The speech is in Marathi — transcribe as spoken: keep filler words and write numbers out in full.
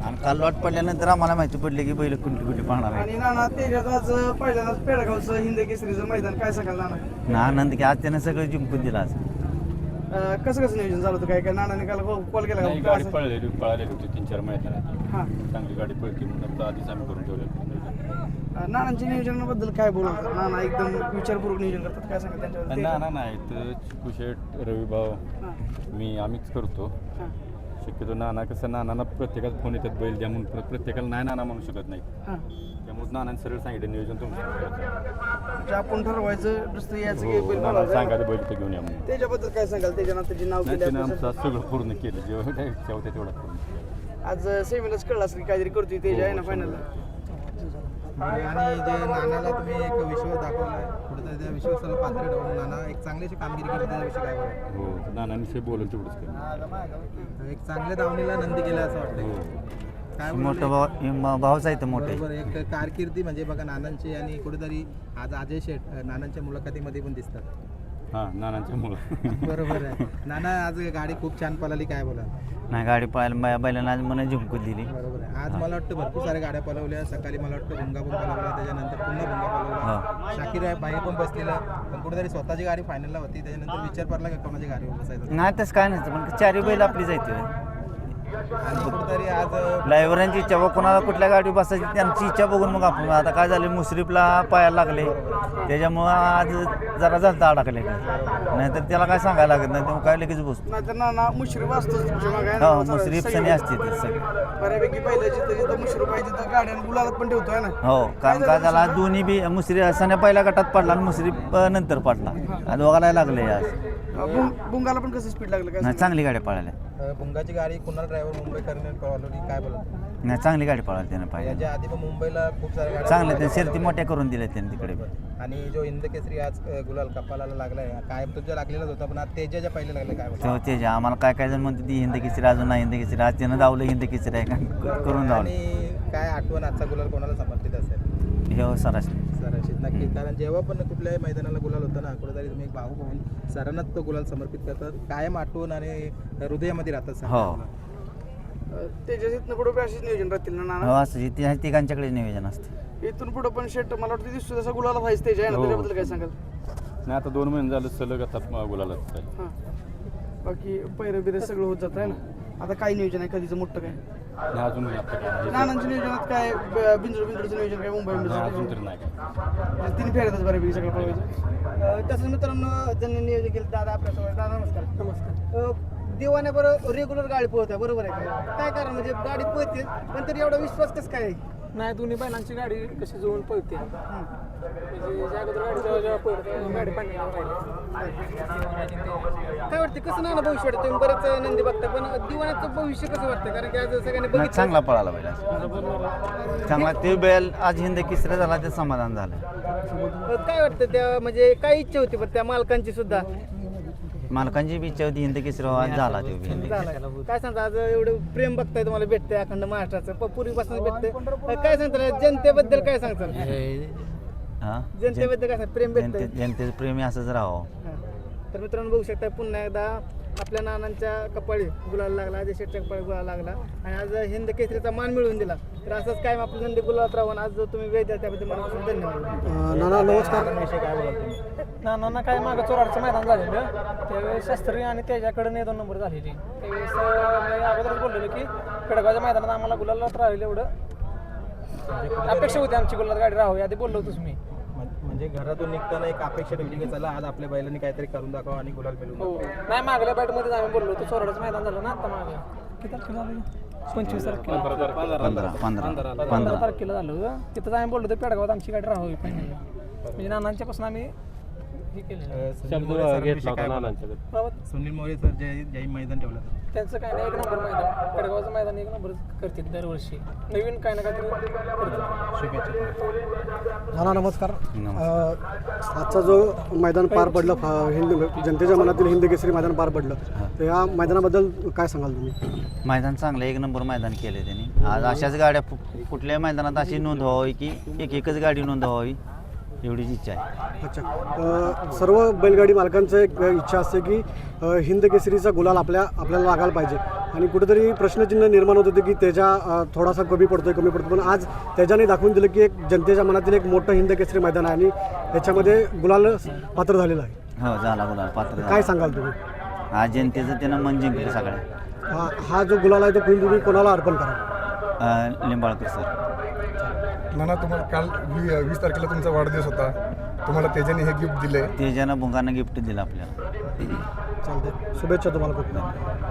आणि काल लॉट पडल्यानंतर आम्हाला माहिती पडली की बैल कुठली कुठली पाहणार आहे. आणि नाना तेजाचं आज पहिल्यांदाच पेडगावचं हिंद केसरीचं मैदान काय सांगाल नाना? ना आनंद की आज त्यानं सगळं जिंकून दिलं आज. अं, कसं कसं नियोजन झालं होतं काय काय नानाने काल कॉल केला नाही, का? गाडी पळलेली पळालेली होती तीन चार मैदानात. हां चांगली गाडी पळती म्हणून आपलं आधीच आम्ही करून ठेवलं. अं, नानांच्या नियोजनाबद्दल काय बोलतात? नाना एकदम विचारपूर्वक नियोजन करतात, काय सांगाल त्यांच्यावर? ना ना नाही तर कुशेट रविभाव हां मी आम्हीच करतो. हां शक्यतो नाना कसं नानांना प्रत्येकाच फोन येतात बैल द्या म्हणून प्र- प्रत्येकाला नाही नाना म्हणू शकत नाही. हां त्यामुळे नानाने सरळ सांगितलं नियोजन तुमचं म्हणजे आपण ठरवायचं दुसरं यायचं की हो बैल नाना बोलावं. सांगायचं बैल तर घेऊन या म्हणून. त्याच्याबद्दल काय सांगाल? त्याच्या त्याचे नाव नाही केले त्याने आपण. आमचं सगळं पूर्ण केलं जेवढं इच्छा होते तेवढं पूर्ण केलं. आज सेमीलाच कळलं असेल की काहीतरी करतोय तेज आहे ना फायनलला. आणि जे नानाला तुम्ही एक विश्वास दाखवलाय कुठेतरी त्या विश्वासाला पात्र ठेवून नाना एक चांगलीशी कामगिरी केली त्याच्याविषयी काय बोलाल? हो नानांविषयी बोलून तेवढंच केलं. एक चांगल्या दावणीला नंदी गेला असं वाटतं हो काय मोठं भाव म- भाऊच आहे तर मोठे. बरोबर एक कारकिर्दी म्हणजे बघा नानांची आणि कुठेतरी आज अजय शेठ नानांच्या मुलाखतीमध्ये पण दिसतात. हां नानांच्या मुलं बरोबर आहे. नाना आज गाडी खूप छान पळाली, काय बोला? नाही गाडी पाहायला बै- बैलांना आज मला जिंकून दिली. बरोबर आहे. आज मला वाटतं भरपूर साऱ्या गाड्या पळवल्या. सकाळी मला वाटतं भुंगा पण पळवला, त्याच्यानंतर पुन्हा भुंगा पळवला. शाकीर आहे बाई पण बसलेला, पण कुठेतरी स्वतःची गाडी फायनलला होती. त्याच्यानंतर विचार पडला का कोणाची गाडीवर बसायचं नाही तसं काय नसतं पण चारी बैल आपली जायते. आणि कुठेतरी आज ड्रायव्हरांची इच्छा बघ कोणाला कुठल्या गाडी बसायची त्यांची इच्छा बघून मग आपण आता काय झालं मुश्रीफला पायाला लागले त्याच्यामुळं आज जरा झालं अडकले नाहीतर त्याला काय सांगायला लागत नाही तेव्हा काय लगेच बसतो. नाहीतर नाना मुश्रीफ असतोच तुमच्या मागे आहे हो ना. मुश्रीफ सनी असते ते सगळे. बऱ्यापैकी पहिलं जिथं जिथं मुश्रीफ आहे तिथं गाड्या गुलालात पण ठेवतोय ना. हो कारण काय झाला दोन्ही बी मुश्री सण्या पहिल्या गटात पडला आणि मुश्रीफ नंतर पडला आणि दोघाला लागले आज. बुंग- बुंगाला पण कसं स्पीड लागलं काय नाही चांगली गाडी पळाल्या. अ, भुंगाची गाडी कुणाल ड्रायव्हर मुंबईकरने पळवली, काय बोलत? नाही चांगली गाडी पळाली त्यानं पाहिजे. याच्या आधी पण मुंबईला खूप साऱ्या गाड्या चांगले ते शर्ती मोठ्या करून दिल्या त्यांनी तिकडे बी. आणि जो हिंद केसरी आज अ, गुलाल कपालाला लागलाय, काय तुझ्या लागलेलाच होता पण आज तेजाच्या पहिले लागले, काय बोलत? तेव्हा ते जे आम्हाला काय काय जण म्हणते ती हिंद किचरी अजून नाही हिंद किचरी आज त्यानं धावलं हिंद किचरी आहे का करून धावलं आणि काय आठवण आजचा गुलाल कोणाला समर्पित असेल? हे हो सरासरी. सरांशी नक्की, कारण जेव्हा पण कुठल्याही मैदानाला गुलाल होतं ना, कुठेतरी तुम्ही एक भाऊ होऊन सरांनाच तो गुलाल समर्पित करतात. कायम आठवण आणि हृदयामध्ये राहतात सर. हो त्याच्या इथनं पुढे बी अशीच नियोजन राहतील ना हो नाना. असं इथे तिघांच्याकडे नियोजन असते. इथून पुढे पण शेट मला वाटतं दिसतो तसा गुलाला व्हायचं त्याच्या आहे ना. हो. त्याच्याबद्दल काय सांगाल? नाही आता दोन महिने झालं सलग आता गुलालाच आहे. हां बाकी पैरं बिरं सगळं होत जात आहे ना. आता काय नियोजन आहे कधीचं मोठं काय? नाही अजून नाही आता काय. नानांच्या नियोजनात काय ब- बिंजोड बिंजोडचं नियोजन काय मुंबई नाही, अजून बिंजोड तरी नाही काय. तीन फेऱ्यातच बऱ्यापैकी सगळं पळवायचं. तसंच मित्रांनो ज्यांनी नियोजन केलं दादा आपल्यासोबत. दादा नमस्कार. नमस्कार. दिवाण्याबरोबर रेग्युलर गाडी पळत आहे, बरोबर आहे का? काय कारण म्हणजे गाडी पळते पण तरी एवढा विश्वास कसं काय? नाही दोन्ही बैलांची गाडी कशी जुळून पळते म्हणजे ज्या अगोदर गाडी जेव्हा जेव्हा पळते तेव्हा गाडी पाणी काय वाटतं कसं नाना भविष्य वाटतं? तुम्ही बरेच नंदी बघता पण दिवाण्याचं भविष्य कसं वाटतं? कारण की आज सगळ्यांनी नाही बघितलं चांगला पळाला बैल आज. चांगला ते बैल आज हिंद किसरा झाला ते समाधान झालं. काय वाटतं त्या म्हणजे काय इच्छा होती पण त्या मालकांची सुद्धा मालकांची बी इच्छा होती हिंद किसरा आज झाला ते बी हिंद केसरी. झालं. काय सांगता आज एवढं प्रेम बघताय तुम्हाला भेटतंय अखंड महाराष्ट्राचं पूर्वीपासून भेटतंय काय सांगता जनतेबद्दल काय सांगताल? हा जनतेबद्दल काय सांगता? प्रेम भेटतंय. जनते जनतेचं प्रेमी असंच राहावं. हा. तर मित्रांनो बघू शकता पुन्हा एकदा आपल्या नानांच्या कपाळी गुलाल लागला, अजय शेटच्या कपाळी गुलाल लागला आणि आज हिंद केसरीचा मान मिळवून दिला. तर असंच काय आपलं नंदी गुलालात राहून आज तुम्ही वेळ द्या त्याबद्दल मनापासून धन्यवाद. नाना नमस्कार. विषय काय बोलत तुम्ही? नानांना काय मागं चोराडचं मैदान झालेलं त्यावेळेस शास्त्री आणि त्याच्याकडे नाही दोन नंबर झालेली त्यावेळेस अं, मी अगोदरच बोललेलो की पेडगावच्या मैदानात आम्हाला गुलालात राहिलं एवढं अपेक्षा होती आमची गुलालात गाडी राहावी आधी बोललो होतोच मी. म्हणजे घरातून निघताना एक अपेक्षा ठेवली की चला आज आपल्या बैलांनी काहीतरी करून दाखवा आणि गुलाल मिळवून हो नाही मागल्या बॅटमध्येच आम्ही बोललो होतो चोराडचं मैदान झालं ना आता मागं किती तारखेला झालं? पंचवीस तारखेला पंधरा पंधरा पंधरा पंधरा तारखेला झालं होतं. तिथंच आम्ही बोललो होतो पेडगावात आमची गाडी राहावी पाहिजे म्हणजे नानांच्यापासून आम्ही हे केलेलं सुनील मोरे सर जे ज्याही मैदान ठेवलं होतं. त्यांचं काय नाही एक नंबर मैदान पेडगावचं मैदान एक नंबर करते दरवर्षी नवीन काय ना काहीतरी करते. शुभेच्छा. नाना नमस्कार. नमस्कार. आजचा जो मैदान पार पडलं फ- हिंद जनतेच्या मनातील हिंद केसरी मैदान पार पडलं तर या मैदानाबद्दल काय सांगाल तुम्ही? मैदान चांगलं एक नंबर मैदान केले त्यांनी आज अशाच गाड्या फु- कुठल्याही मैदानात अशी नोंद व्हावी की एक एकच गाडी नोंद व्हावी एवढीच इच्छा आहे. अच्छा. अ, सर्व बैलगाडी मालकांचं एक इच्छा असते की अ, हिंद केसरीचा गुलाल आपल्या आपल्याला लागायला पाहिजे आणि कुठेतरी प्रश्नचिन्ह निर्माण होत होते की त्याच्या अ, थोडासा कमी पडतोय कमी पडतो पण आज त्याच्याने दाखवून दिलं की एक जनतेच्या मनातील एक मोठं हिंद केसरी मैदान आहे आणि त्याच्यामध्ये गुलाल पात्र झालेलं आहे. हो झाला गुलाल पात्र काय झाला. सांगाल तुम्ही? आज जनतेचं त्यानं मन जिंकलं सगळ्या. हा हा जो गुलाल आहे तो तुम्ही कोणाला अर्पण करा? अं, लिंबाळकर सर. नाना, तुम्हाला काल वी वीस तारखेला तुमचा वाढदिवस होता, तुम्हाला तेजाने हे गिफ्ट दिले. तेजानं भुंगानं गिफ्ट दिलं आपल्याला. चालते. शुभेच्छा तुम्हाला खूप.